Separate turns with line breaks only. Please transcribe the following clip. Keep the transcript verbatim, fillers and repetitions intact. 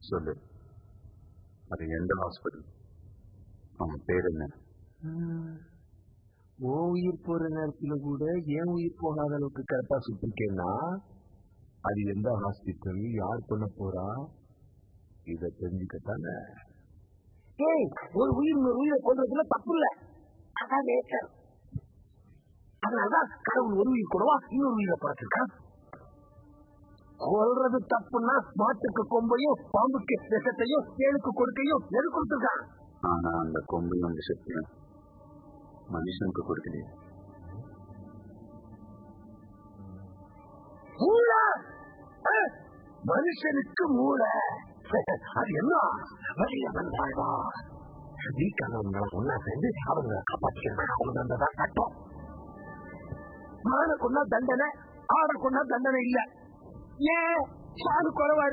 சொல்லு, அது எந்த ஹாஸ்பிட்டல், அவன் பேர் என்ன?
ஓ உயிர் போற நேரத்துல கூட ஏன் உயிர் போகாத அளவுக்கு கரெக்டா சுத்திருக்கேன்னா அது எந்த ஹாஸ்பிட்டல், யார் பண்ண போறா, இத தெரிஞ்சுக்கத்தானே.
ஏய், ஒரு உயிர் ஒரு உயிரை கொள்றதுல தப்பு இல்ல, அதான் நேச்சர். அதனாலதான் கடவுள் ஒரு உயிர் கூடவா இன்னொரு உயிரை படைச்சிருக்கான். கொல்றது தப்புன்னா மாட்டுக்கு கொம்பையும் பாம்புக்கு விஷத்தையும் ஏழுக்கு கொடுக்கையும் எது கொடுத்துருக்கான்.
ஆனா அந்த கொம்பையும் விஷத்தையும் மனுஷனுக்கு கொடுக்கலையே.
மனுஷனுக்கு மூளை அது என்ன வலியவன் வாழ்வா. வீக்கானவங்களை ஒன்னா சேர்ந்து அவங்க காப்பாற்றிக்கிறதான் சட்டம். மானை கொண்டா தண்டனை, ஆடை கொண்டா தண்டனை இல்ல. ஏன் சாது குறைவா